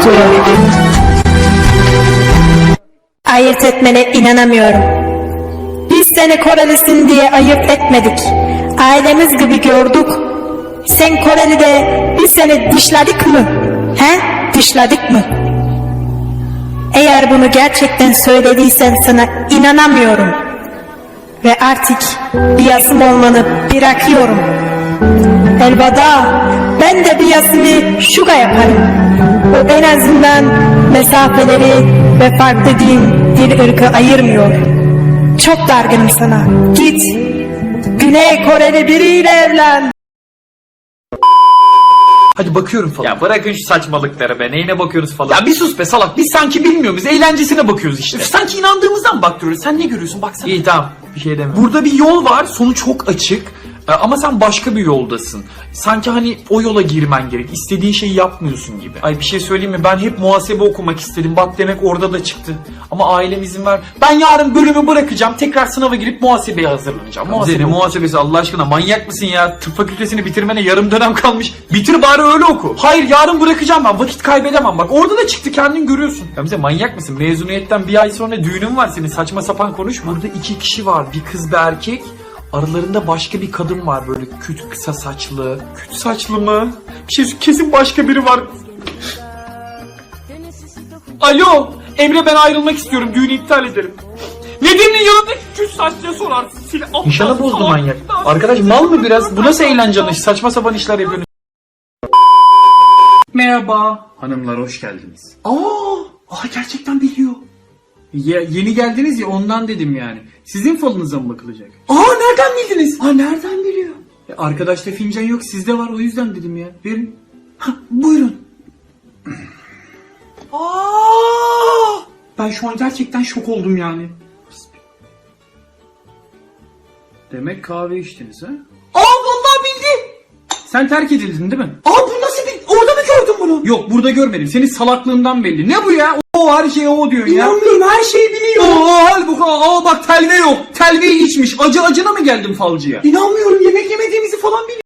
tutuyor. Ayırt etmene inanamıyorum. Biz seni Korelisin diye ayırt etmedik. Ailemiz gibi gördük. Sen Koreli de biz seni dışladık mı? He? Dışladık mı? Eğer bunu gerçekten söylediysen sana inanamıyorum. Ve artık biyasım olmanı bırakıyorum. Elveda, ben de biyasımı şuga yaparım. O en azından mesafeleri ve farklı dil ırkı ayırmıyor. Çok dargınım sana. Git, Güney Koreli biriyle evlen. Hadi bakıyorum falan. Ya bırakın şu saçmalıkları be. Neyine bakıyorsunuz falan. Ya bir sus be salak. Biz sanki bilmiyoruz. Eğlencesine bakıyoruz işte. Sanki inandığımızdan baktırıyoruz. Sen ne görüyorsun? Baksana. İyi tamam. Bir şey demiyorum. Burada bir yol var. Sonu çok açık. Ama sen başka bir yoldasın. Sanki hani o yola girmen gerek. İstediğin şeyi yapmıyorsun gibi. Ay bir şey söyleyeyim mi? Ben hep muhasebe okumak istedim. Bak demek orada da çıktı. Ama ailem izin ver. Ben yarın bölümü bırakacağım. Tekrar sınava girip muhasebeye hazırlanacağım. Ne muhasebesi Allah aşkına, manyak mısın ya? Tıp fakültesini bitirmene yarım dönem kalmış. Bitir bari öyle oku. Hayır yarın bırakacağım ben. Vakit kaybedemem. Bak orada da çıktı, kendin görüyorsun. Ya bize manyak mısın? Mezuniyetten bir ay sonra düğünün var senin. Saçma sapan konuşma. Burada 2 kişi var. Bir kız bir erkek. Aralarında başka bir kadın var böyle kısa saçlı. Küt saçlı mı? Bir şey kesin başka biri var. Alo Emre, ben ayrılmak istiyorum. Düğünü iptal ederim. Nedim'in yanındaki küt saçlıya sorarsın. İnşallah bozdu manyak. Arkadaş mal mı biraz? Bu nasıl eğlence anlayışı? Saçma sapan işler yapıyorsunuz. Merhaba. Hanımlar hoş geldiniz. Aa gerçekten biliyor. Ya, yeni geldiniz ya ondan dedim yani. Sizin falınıza mı bakılacak? Nereden bildiniz? Nereden biliyor? Arkadaşta fincan yok, sizde var, o yüzden dedim ya. Verin. Buyurun. Ben şu an gerçekten şok oldum yani. Demek kahve içtiniz ha? Vallahi bildi. Sen terk edildin değil mi? Bu nasıl bir... Orada mı gördün bunu? Yok, burada görmedim. Senin salaklığından belli. Ne bu ya? O her şeye o diyorsun ya. İnanmıyorum, her şeyi biliyor. Halbuki bak telve yok. Telveyi içmiş. Acına mı geldim falcıya? İnanmıyorum, yemek yemediğimizi falan biliyor.